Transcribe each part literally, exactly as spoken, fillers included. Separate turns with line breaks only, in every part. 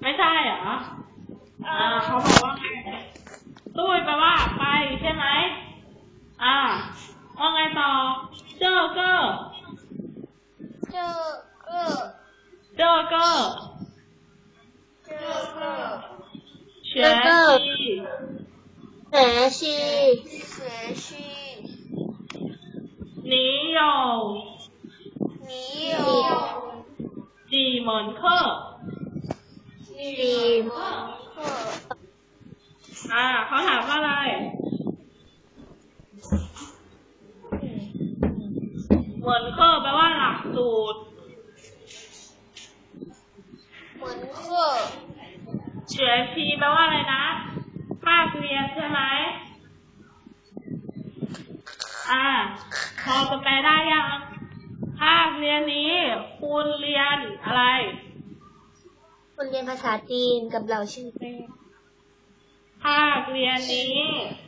ไม่ใช่เหรออ่าเขาบอกว่าไงตุ้ยแปลว่าไปใช่ไหมอ่าว่าไงต่อเจอเกอร์
เจอเกอร์
เจอเกอร์
เจอเกอร์
学习
学习学习
你有
你有
几门课
几门课
อ่าเขาถามว่าอะไรเหมือนเคอร์แปลว่าหลักสูตร
เหมือน课
เฉื่อยชีแปลว่าอะไรนะภาคเรียนใช่ไหมอ่าพอจะแปลได้ยังภาคเรียนนี้คุณเรียนอะไร
คุณเรียนภาษาจีนกับเราชื่อแม่
ภาคเรียนนี้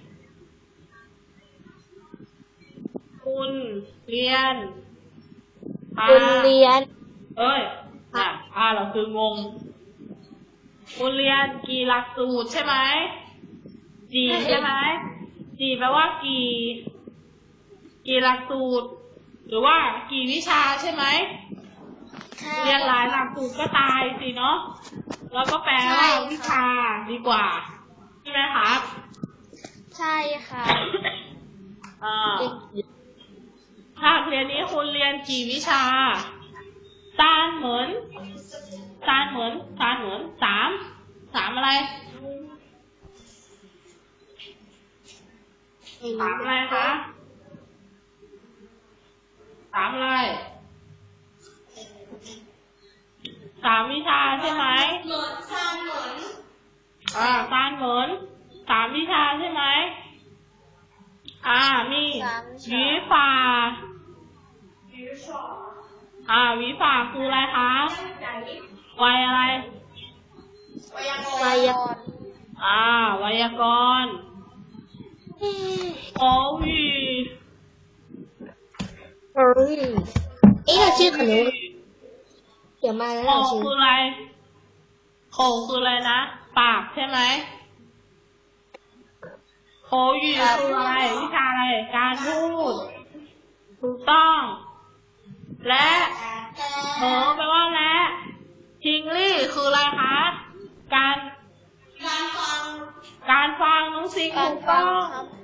คุณเรียน
คุณเรียน
เอ้ยอ่ะอ่าเราคืองงคุณเรียนกี่หลักสูตรใช่ไหมจีใช่ไหมจีแปลว่ากี่กี่หลักสูตรหรือว่ากี่วิชาใช่ไหมเรียนหลายหลักสูตรก็ตายสิเนาะแล้วก็แปลว่าวิชาดีกว่าใช่ไหมครับ
ใช่ค่ะ
อ่าภาคเรียนนี้คุณเรียนกี่วิชาซานเหมือนซานเหมือนซานเหมือนสามสามอะไรสามอะไรคะสามอะไรสามวิชาใช่ไหมเหมือนซานเหมือนอ่าซานเหมือนสามวิชาใช่ไหมอ่ามีวิฟาอ่าวิฟาคืออะไรคะไวยอะไร
ไวยากรณ์
อ่าไวยากรณ์口语
เฮ้ยเอ๊ะเราชื่อขนมเดี๋ยวมาแล้วเราชื่อ
คืออะไรโขคืออะไรนะปากใช่ไหมโขอยู่คืออะไรวิชาอะไรการพูดถูกต้องและเหอแปลว่าและทิงลี่คืออะไรคะการการฟังการฟังน้องซิงถูกต้อง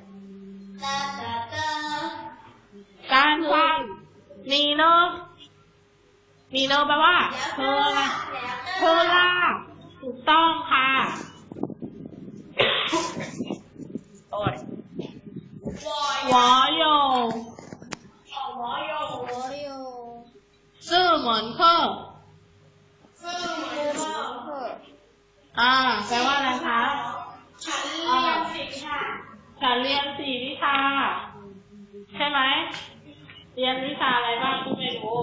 การฟังนีเนอนีเนอแปลว่าเธออะไรเธอล่ะถูกต้องค่ะโอ้ย我有我有
我有
四门课
四门课
อ่าแปลว่าอะไรคะ
ฉันเรียนสี่วิชา
ฉันเรียนสี่วิชาใช่ไหมเรียนวิชาอะไรบ้างก็ไม่รู้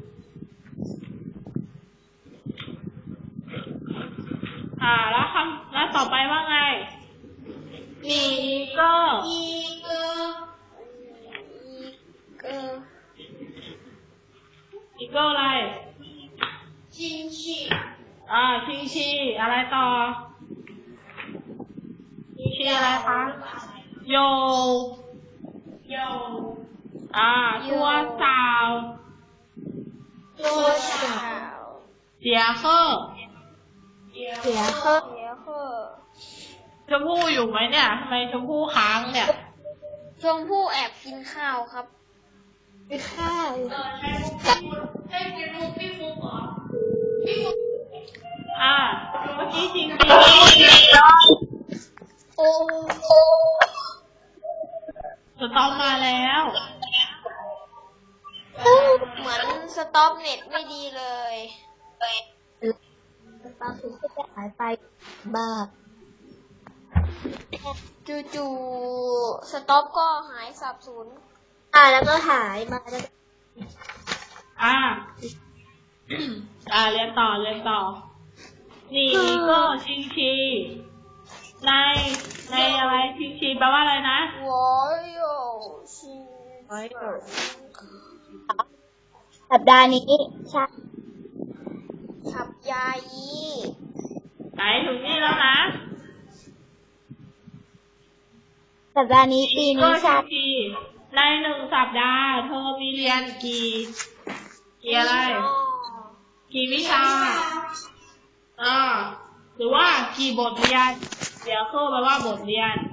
อ่าแล้วคำแล้วต่อไปว่าไงมีก็
อีเกออีเกอ
อีก็อะไร
ชิงชี
อ่าชิงชีอะไรต่อชิงชีอะไรคะโยโยอ่าตัวสาว
ตัวสาว
เสียเคอ
เสียเคอเสียเคอ
ชมพู่อยู่ไหมเนี่ยทำไมชมพู่ค้างเนี่ย
ชมพู่แอบกินข้าวครับกินข้าว
ให้กินมุกพี่ฟุกเหรอพี่ฟุกอ่าเมื่อกี้จริงจริง
โอ้
สตอมมาแล้ว
เหมือนสต็อปเน็ตไม่ดีเลยสต็อปถึงจะหายไปบ้าจู่ๆสต็อปก็หายสับสนอ่าแล้วก็หายมาแล้ว
อ่า อ่าเรียนต่อเรียนต่อนี่ก็ชิงชีในในอะไรชิงชีแปลว่าอะไรนะ
我有ชิสัปดาห์นี้ใช่สัปยายี
ถึงนี่แล้วนะ
สัปดาห์นี้ปีนี้ชา
ทีในหนึ่งสัปดาห์เธอมีเรียนกี่กี่อะไร กี่วิชาอ่าหรือว่ากี่บทเรียน เดี๋ยวเข้าไปว่าบทเรียน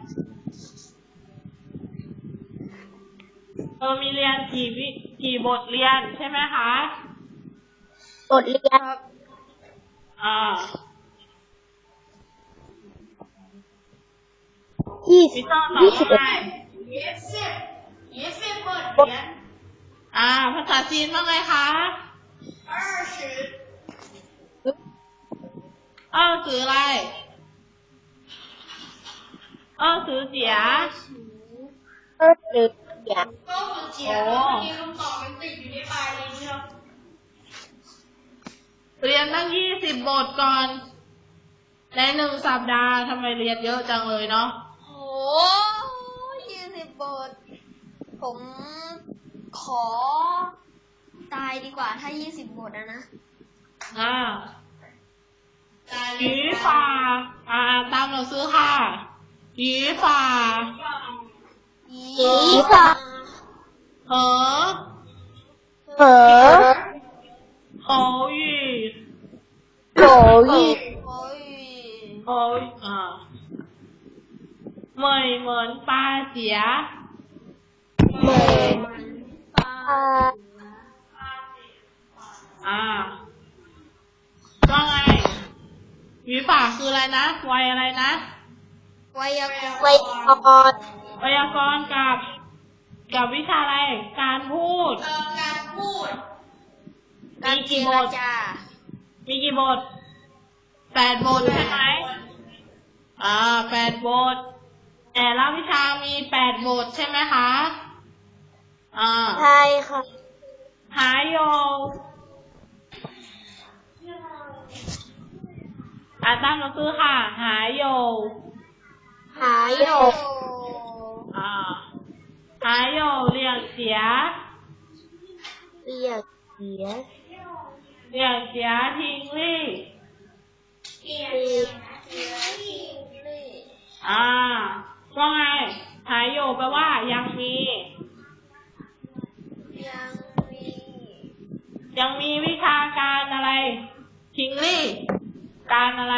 เธอมีเรียนกี่วิกี่บทเรียนใช่ไหมคะ
บทเรียน
อ่า
ยี่สิบยี่สิบเอ็ด
ยี่สิบยี่สิบบทเรียนอ่าภาษาจีนว่าไงคะ二十二十อะไร二十几啊
二十几啊
โอ้นี่คำตอบมันติดอยู่ในปลายลิ้นเชียวเรียนตั้งยี่สิบบทก่อนในหนึ่งสัปดาห์ทำไมเรียนเยอะจังเลยเนาะ
โอ้ยี่สิบบทผมขอตายดีกว่าถ้ายี่สิบบทอะนะ
อ่า语法อ่าตามเราซื้อค่ะ语法
语法
和
和
口语
口语口语
口语啊เหมยเหมือนปลาเสีย
เหมยปลา
อ่าว่าไง语法คืออะไรนะไวอะไรนะ
ไวยากรณ์ไวยากรณ์
ไวยากรณ์กับกับวิชาอะไรการพูด
การพูด
มีกี่บทมีกี่บทแปดบทใช่ไหมอ่าแปดบทแต่ละวิชามีแปดบทใช่ไหมคะอ่า
ใช่ค่ะ
หายโยอ่าตั้งเราซื้อค่ะหายโย
หายโย
อ่าหายโยเรียงเสีย
เรียงเสีย
เรียงเสียทิ้งลี่
เรียงเสียทิ้งลี่
อ่าว่าไงหายโยแปลว่ายังมี
ยังมี
ยังมีวิชาการอะไรทิ้งลี่การอะไร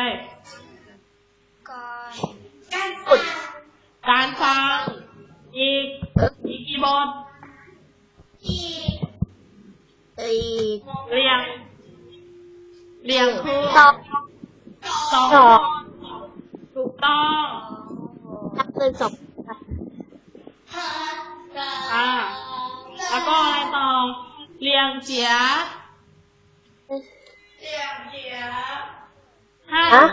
การ
การฝึกการฟังอีกอีกกี่บท
อีกอีก
เรียงเรียงคือ
สอง
สองถูกต้อง
นับเป็นสอง
อ่าแล้วก็อะไรต่อเรียงเจียเรียงเจียฮั่น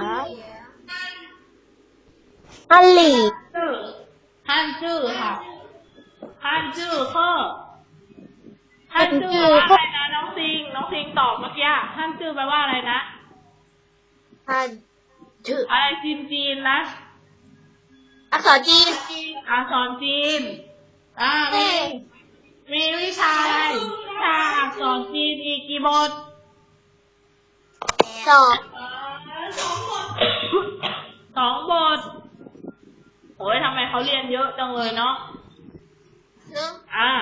ฮันหลี่
ฮั่นจื้อค่ะฮั่นจื้อคือฮั่นจื้อแปลว่าอะไรนะน้องซิงน้องซิงตอบเมื่อกี้ฮั่นจื้อแปลว่าอะไรนะ
ฮั่นจื้อ
อะไรจีนจีนนะ
อักษรจีน
อักษรจีนอ่ามีมีวิชาอะไรวิชาอักษรจีนอีกกี่บท
สอง
สองบทโอ้ยทำไมเขาเรียนเยอะจังเลยเนาะ
เนาะ
อ่า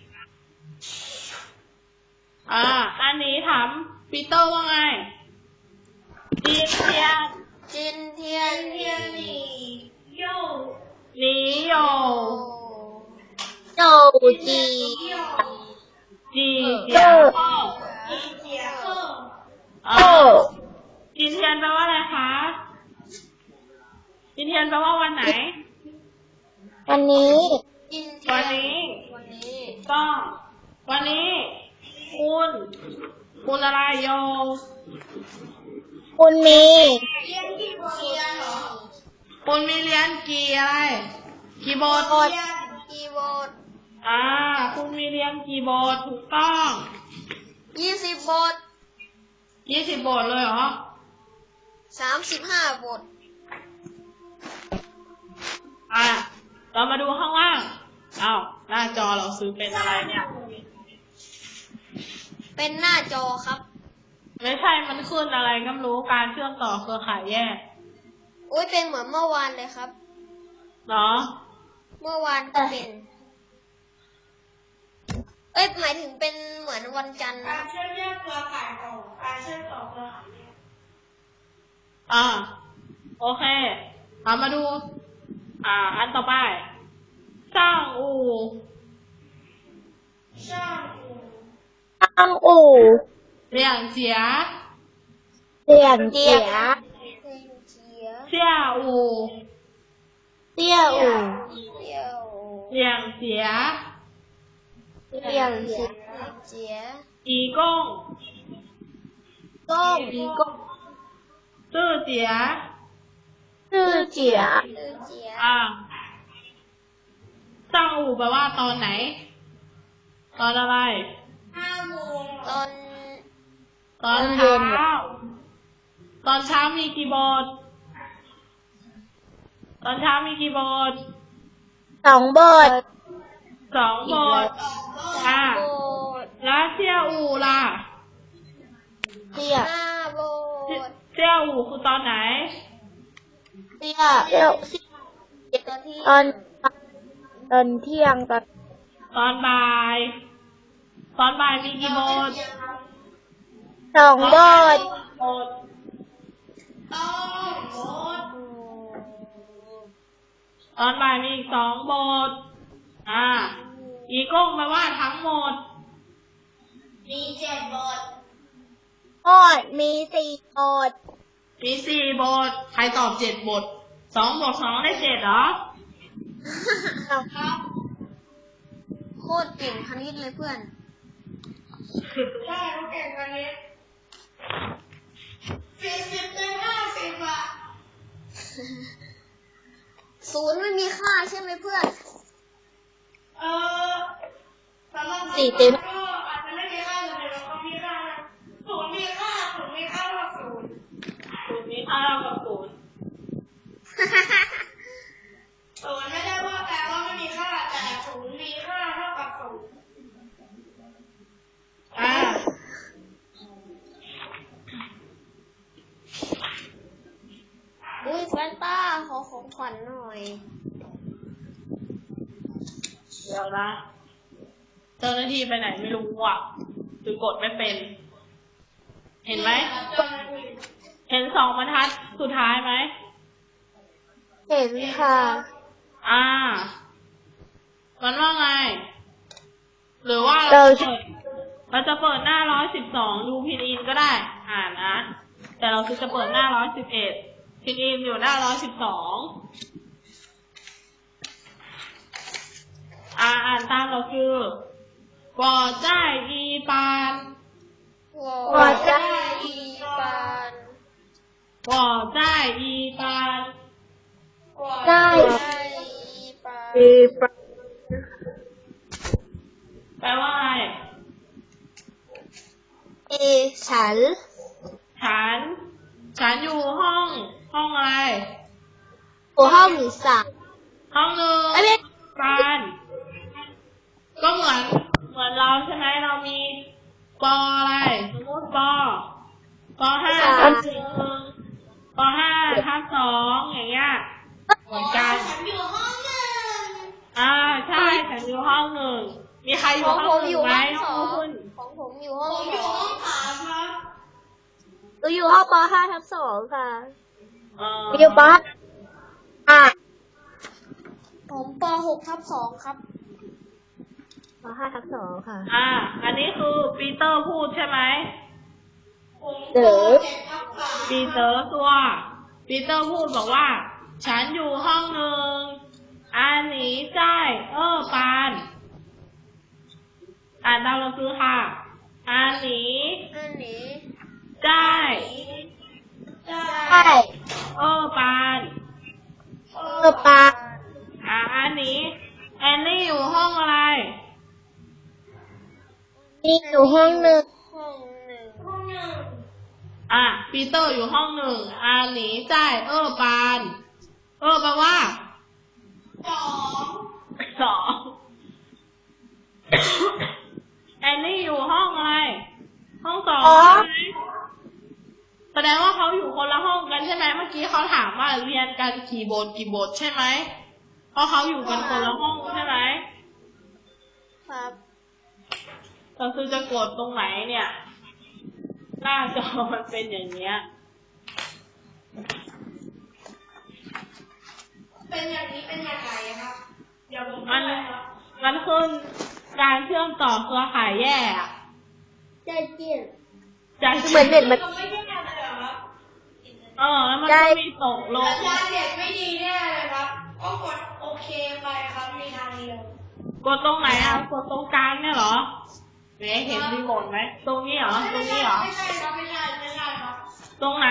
อ่าอันนี้ถามปีเตอร์ว่าไงจีนเทียน
จินเทียนเทียนหนีโย
หนีโย
โยจี
จีเจียข้อ
จีเจียข้อ
อ่าจีนเทียนแปลว่าอะไรคะจีนเทียนแปลว่าวันไหน
วันนี้
วันนี้
วันนี้
ก็วันนี้คุณคุณอะไรโย
คุณมี
เรียนกี่บทเรียนเหรอคุณมีเรียนกี่อะไรกี่บท
กี่บท
อ่าคุณมีเรียนกี่บทถูกต้อง
ยี่สิบบท
ยี่สิบบทเลยเหรอ
สามสิบห้าบท
อ่ะเรามาดูข้างล่างอ้าวหน้าจอเราซื้อเป็นอะไรเนี่ย
เป็นหน้าจอครับ
ไม่ใช่มันขึ้นอะไรก็ไม่รู้การเชื่อมต่อเครือข่ายแยก
อุ้ยเป็นเหมือนเมื่อวานเลยครับ
เหรอ
เมื่อวานก็เป็น เอ้ยหมายถึงเป็นเหมือนวันจันทร์นะ
การเชื่อมแยกเครือข่ายต่อการเชื่อมต่อเครือข่ายแยก
อ่า โอเคเอามาดู อ่า อันต่อไปสร้างอู่
ช่างอู่
ตั้งอู่
เลี่ยงเจีย
เสียงเจีย
เพลงเชีย
เสี่ยอู่
เตี้ยอู่
เที่ยว
เลี่ยงเจีย
เสียงเจีย
เพลงเชีย
อีก้ง
ก้องอีก้อง
ซื่อเจีย
ชื่อเจีย
ชื่อเจีย
อ่าสร้างอู่แปลว่าตอนไหน ตอนอะไร
ห้าโมง
ตอน
ตอนเช้า ตอนเช้ามีกี่บท ตอนเช้ามีกี่บท
สองบท
สองบท อ่า
โบส
แล้วเสี่ยอู่ล่ะ
เตี้ย
หน้าโบสถ์
เสี่ยอู่คือตอนไหน
เตี้ยเตี้ย
ตอนที่
ตอนตอนเที่ยงตอน
ตอนบ่าย ตอนบ่ายมีกี่บท
สองบท
บท
ต้องโบส
อืม
ตอนบ่ายมีอีกสองบท อ่า อีก้งแปลว่าทั้งหมด
มีเจ็ดบท
บทมีสี่บท
มีสี่บท ใครตอบเจ็ดบท สองบวกสองได้เจ็ดเหรอ
ครับ
โคตรเก่งคณิตเลยเพื่อน
ใช่เขาเก่งกันนี้สี่สิบเต็มห้าสิบอ่ะ
ศูนย์ไม่มีค่าใช่ไหมเพื่อน
เออสำหรับ
สี่เต็ม
ก็อาจจะไม่มีค่าเลยแต่ก็มีค่านะศูนย์มีค่าศูนย์มีค่าเท่ากับศูนย์
ศูนย์มีค่าเท่ากับศูนย์
ศูนย์ไม่ได้ว่าแปลว่าไม่มีค่าแต่ศูนย์มีค่าเท่ากับศูนย์
อ่า
อุ้ยแฟนต้าขอของขวัญหน่อย
เดี๋ยวนะ เจ้าหน้าที่ไปไหนไม่รู้อ่ะคือกดไม่เป็น เห็นไหม เห็นสองบรรทัดสุดท้ายไหม
เห็นค่ะ
อ่า มันว่าไง หรือว่า
เรา
เราจะเปิดเราจะเปิดหน้าร้อยสิบสองดูพินอินก็ได้ อ่านนะ แต่เราคือจะเปิดหน้าร้อยสิบเอ็ดพินอินอยู่หน้าร้อยสิบสองอ่าอ่านตามเราคือวอจ้ายอีปาน
วอจ้าอีปาน
วอจ้ายอีปาน
ได้
ได้อีปาน
มีปะ
แปลว่าอะไร
เอฉัน
ฉัน ฉันอยู่ห้อง ห้องอะไร
หัวห้องสาม
ห้องหนึ่ง
ไอ้เบ๊ก
การ ก็เหมือน เหมือนเราใช่ไหม เรามีปออะไร สมมติปอปอห้าทับหนึ่งปอห้าทับสองอย่างเงี้ย เหมือนกัน
ฉันอยู่ห้องหนึ่ง
อ่า ใช่ ฉันอยู่ห้องหนึ่ง มีใครอ
ข
ยู่
อง
ห้
ผ
อง
ม
ห
อ
นึ่ง
ยู่
ไหม
ห้องส
น้
อ
อง
ง
คุณ
ของผมอยู่ห้อง
ผม
ส
อยู่
อ
ห้อง งสามครับ
หนูอยู่ห้องปห้าทับสองค่ะ
เออ
หนูอยู่ปห้า
ผมปหกทับสองครับ
ปห้าทับสองค่ะ
อ่า อันนี้คือปีเตอร์พูดใช่ไหม
ผม
เด๋อ
เจ็ดทับสาม
ปีเตอร์ตัว ปีเตอร์พูดบอกว่า ฉันอยู่ห้องหนึ่งอันนี้ใช่เออปาน อ่านตามเราคือค่ะ อันนี้
อันนี้
ใช่
ได้
ใช่
เออปาน
เอ
เออปา
อ่าอันนี้ แอนนี่อยู่ห้องอะไร
นี่อยู่ห้องหนึ่ง
ห้องหนึ่ง
ห้องหนึ่ง
อ่ะปีเตอร์อยู่ห้องหนึ่งอันนี้ใช่เออปาน เออแปลว่า
สอง
สอง แอนนี่อยู่ห้องอะไร ห้องสองใช่ไหมดงว่าเขาอยู่คนละห้องกันใช่ไหมเมื่อกี้เขาถามว่าเรียนกันกี่บทกี่บทใช่ไหมเพราะเขาอยู่กันคนละห้องใช่ไหม
ครับ
ก็คือจะกดตรงไหนเนี่ย หน้าจอมันเป็นอย่างเนี้ย
เป็นอย่างนี้เป็นอย่างไรครับเดี๋ยวผม
มัน
ไปครับ
มันขึ้นการเชื่อมต่อเครือข่ายแย่อะ
ใจเจียน
จะ
เหมือนเน็ตมัน
ไม่ใช่งานเลยเหรอครับ
เออแล้วมัน
ได้
ก็มีตกล
สั
ง
ญญาณเน็ตไม่ดีแน่เลยครับ ก็กดโอเคไปครับมีทางเดียว
กดตรงไหนอ่ะกดตรงกลางเนี่ยเหรอเจ๊เห็นรีโมทไหมตรงนี้เหรอตรงนี้เหรอ
ไม่ใช่ครับไม่ใช่ไม่ใช่ครับ
ตรงไหน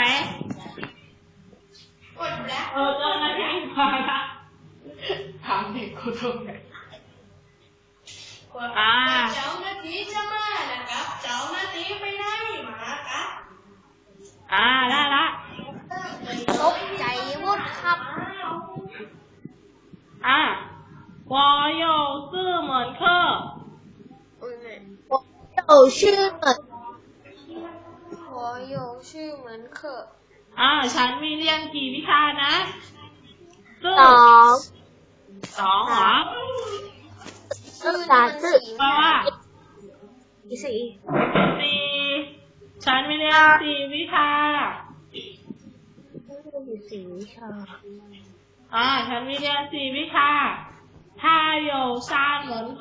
กดแล้ว
เออเจ้าหน้าที่มาละถามเด็กกูตรงไหน
กด
อ่า
เจ้าหน้าที่จะมานะครับเจ้าหน้าที่ไปไหนมาครับ
อ่าได้ละ
ตกใจวุดครับ
อ่า我有四门课
อุ้ยแม่
有ชื่อเหมือน
หัวโยชื่อเหมือนเคอะ
อ่าฉันมีเรียนกี่วิชานะซึ่ง
สอง
สองเหรอ
ชื่อนี่มันสี
แปลว่า
สี่
สี่ฉันมีเรียนสี่วิชา
อยู่สี่วิชา
อ่าฉันมีเรียนสี่วิชา他有三门课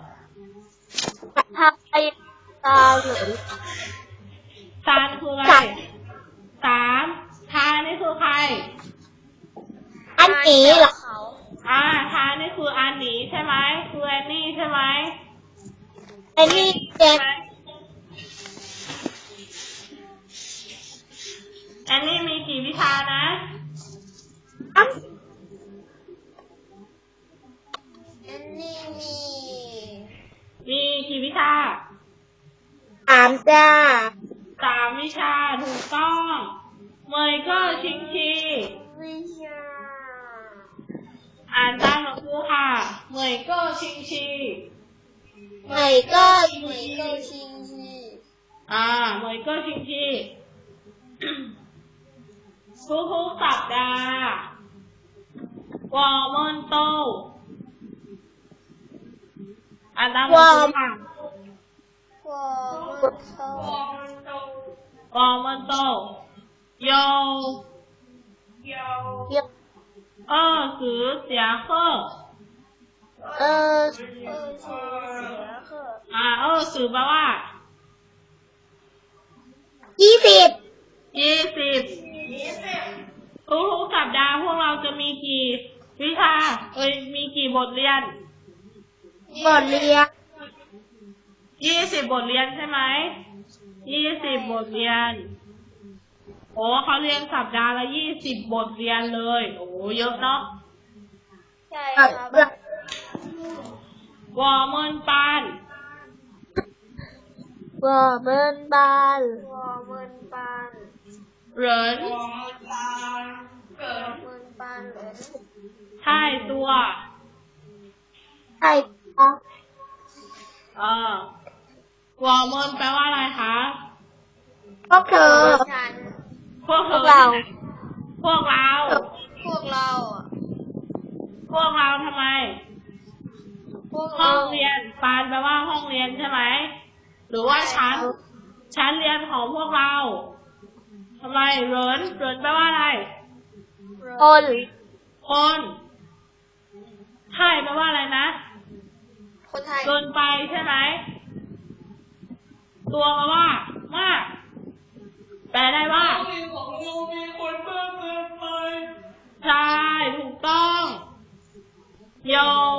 ถ้าไปตาเหมือน
ซานคืออะไรสามทานี่คือใคร
อันนี้เหรอ
เขา
อ่าทานี่คืออันนี้ใช่ไหมคือแอนนี่ใช่ไหม
อันนี้เจ
ใช่
น
ไหมแอนนี่มีกี่วิชานะ
อัน
อันนี้มี
มีกี่วิชา
สามจ้า
สามวิชาถูกต้องเมยก็ชิงชี
วิชา
อ่านตามหนังสือค่ะเมยก็ชิงชี
ไหนก็
เหมือนเกาชิงชี
อ่าเมยก็ชิงชี ทุกๆสัปดาห์วอร์มอนโตอ่านตามหนังสือค่ะ
วอมันโต
วอมันโต
วอร์มอนโตโย
เยาว
เยี่ยม
二十节课
เออ
เออชื่อเสียเคอะ
อ่า二十แปลว่า
ยี่สิบ
ยี่สิบ
ยี่สิบ
ทุกๆสัปดาห์พวกเราจะมีกี่วิชาเอ้ยมีกี่บทเรียน
บทเรียน
ยี่สิบบทเรียนใช่ไหมยี่สิบบทเรียนโอ้เขาเรียนสัปดาห์ละยี่สิบบทเรียนเลยโอ้เยอะเนาะ
ใช่
เอ่
ค
อ
รับ
เรื่อง
วอร์เมนปาน
วอเบิร์นบาน
วอมันปาน
เหริน
วอมันตาเกิด
มันปานเหรอ
ท่ายตัว
ใช่ปะ
เออวอร์เมนแปลว่าอะไรคะ
พวกเธอ
ฉัน
พวกเธ
พว
อก
เรา
พวกเรา
พวกเราอะ
พวกเราทำไม
พวก
ห้
เรา
องเรียนปานแปลว่าห้องเรียนใช่ไหมหรือว่าชั้นชั้นเรียนของพวกเราทำไมเหรินเหรินแปลว่าอะไร
คน
คนไทยแปลว่าอะไรนะ
คนไทย
เกินไปใช่ไหมตัวแปลว่ามากแปลได้ว่า
มีของยูมีคนมากเกินไป
ใช่ถูกต้องโย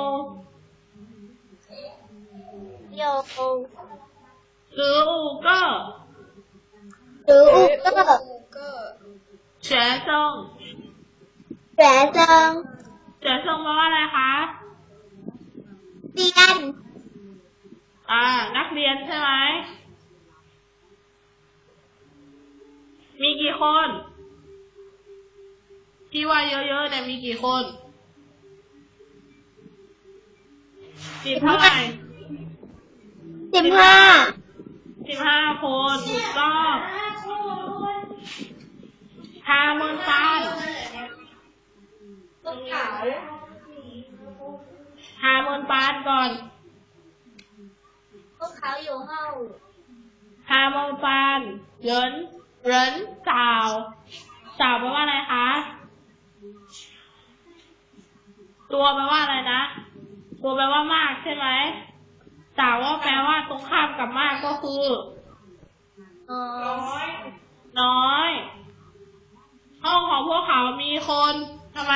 โย
หรืออูเกอร์
หรืออุกเกอร์
กูเกอร์
เฉียเซิง
แสเซิง
เฉียเซิงแปลว่าอะไรคะ
เรียน
อ่า นักเรียนใช่ไหมมีกี่คนที่ว่าเยอะๆเนี่ยมีกี่คนสิบเท่าไหร่
สิบห้า
สิบห้าคนถูกต้อง
ห้าคน
าเมินปาน
ต้นขาว
หาเมินปานก่อน
พวกเขาอยู่ห้อง
หาเมินปานเหรินเหรินสาวสาวแปลว่าอะไรคะ ตัวแปลว่าอะไรนะ ตัวแปลว่ามากใช่ไหมสาวว่าแปลว่าตรงข้ามกับมากก็คือ
อ๋อ
น้อย
น้อย ห้องของพวกเขามีคนทำไม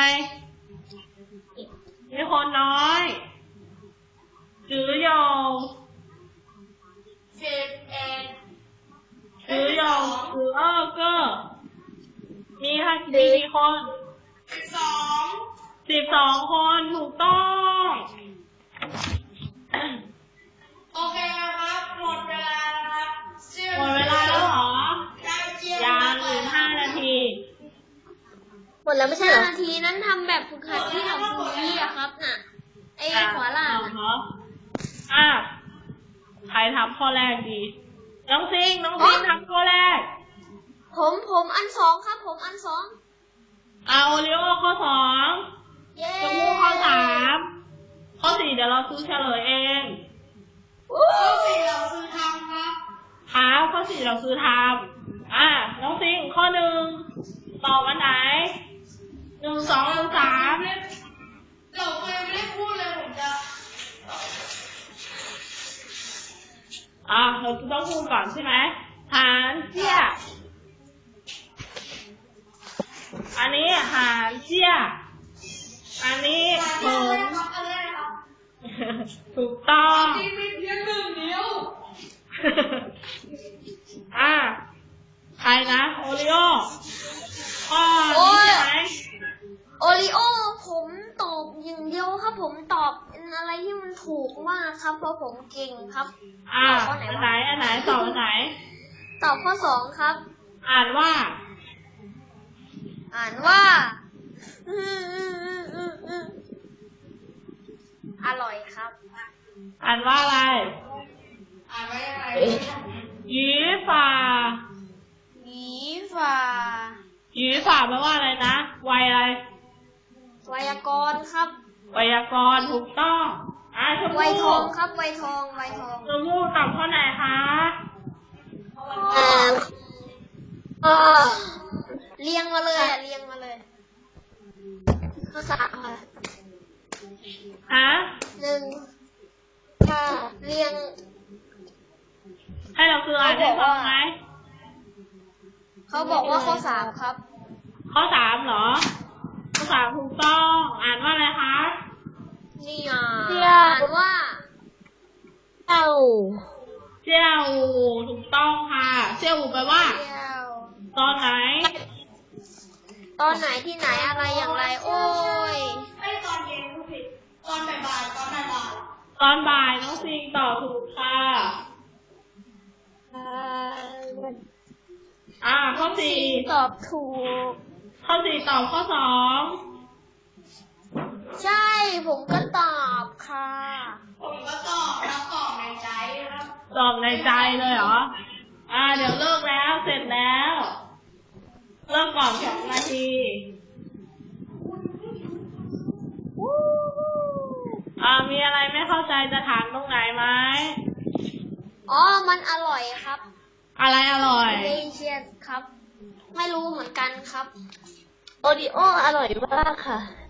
มีคนน้อยจื้อโยง
สิบเอ็ด
จื้อโยงจื้อเออเกอร์มีค่ะมีกี่คน
สิบสอง
สิบสองคนถูกต้อง
โอเคครับหมดเวลาครับ
หมดเวลาแล้วเหรอ
ได้เจีย
ยังอีกห้านาที
หมดแล้วไม่ใช่
ห้า
เหรอ
นาทีนั้นทำแบบฝึกหัดที่ของครูยี่อะครับน่ะไอ้ขวาล่าง
อ่ะ
อะ
เหรออ่ะใครทำข้อแรกดี น้องซิง น้องซิงทำข้อแรก
ผมผมอันสองครับผมอันสอง
เอาโอริโอข้อสอง
เย้
ชมพู่ข้อสามข้อสี่เดี๋ยวเราซื้อเฉลยเอง
ข้อสี่เราคือทำครับ
ครับข้อสี่เราซื้อทำอ่ะน้องซิงข้อหนึ่งตอบอันไหนหนึ่งสองหรือสาม
เราเคยไม่ได้พูดเลยผมจะ
อ่ะเราต้องพูดก่อนใช่ไหมหานเจี้ยอันนี้หานเจี้ยอันนี้
ทำ
เหิน
ครับอะไรครับ
ถูกต้อง
ที่มีเพียงหนึ่งเดียว
อ่ะใครนะโอริโอข้อนี้ใช่ไหม
โอริโอผมตอบอย่างเดียวครับ ผมตอบอะไรที่มันถูกมากครับเพราะผมเก่งครับ
อ่ะอันไหนอันไหนตอบอันไหน
ตอบข้อสองครับ
อ่านว่า
อ่านว่าอืมอืมอืมอืมอืมอร่อยครับ
อ่านว่าอะไร
อ่านไว้ยังไง
หยีฝ่า
หยีฝ่า
หยีฝ่าแปลว่าอะไรนะไวยอะไร
ไวยากรณ์ครับ
ไวยากรณ์ถูกต้องอ่ะชม
ไวย
พู่
ทองครับไวยทองไวยทอง
ชมพู่ตอบข้อไหนคะ
อ่าอ่า
เรียงมาเลยอ่ะเรียงมาเลย
ข้อสามค่ะ
ฮะ
หนึ่ง
ห้า
เรียง
ให้เราคืออ่านได้ฟังไหม
เขาบอกว่าข้อสามครับ
ข้อสามเหรอ ข้อสามถูกต้อง อ่านว่าอะไรคะ
นี่อ่ะอ่านว่า
เต้า
เจียวถูกต้องค่ะเจียวแปลว่า
เดียว
ตอนไหน
ตอนไหนที่ไหนอะไรอย่างไร โอ้ย
ไม่ตอนเย็นผู้ผิดตอนบ่ายๆตอนบ่าย
ตอนบ่ายน้องซิงตอบถูกค่ะ
อ่า
อ่า ข้อสี่
ตอบถูก
ข้อสี่ตอบข้อสอง
ใช่ผมก็ตอบค่ะ
ๆผมก็ตอบแล้วตอบในใจครับ
ตอบในใจเลยเหรอ อ่า เดี๋ยวเลิกแล้วเสร็จแล้ว เลิกก่อนสองนาทีอ่ามีอะไรไม่เข้าใจจะถามตรงไหนไหม
อ๋อ มันอร่อยครับ
อะไรอร่อย
เดเชียสครับ ไม่รู้เหมือนกันครับ
โอริโออร่อยมากค่ะ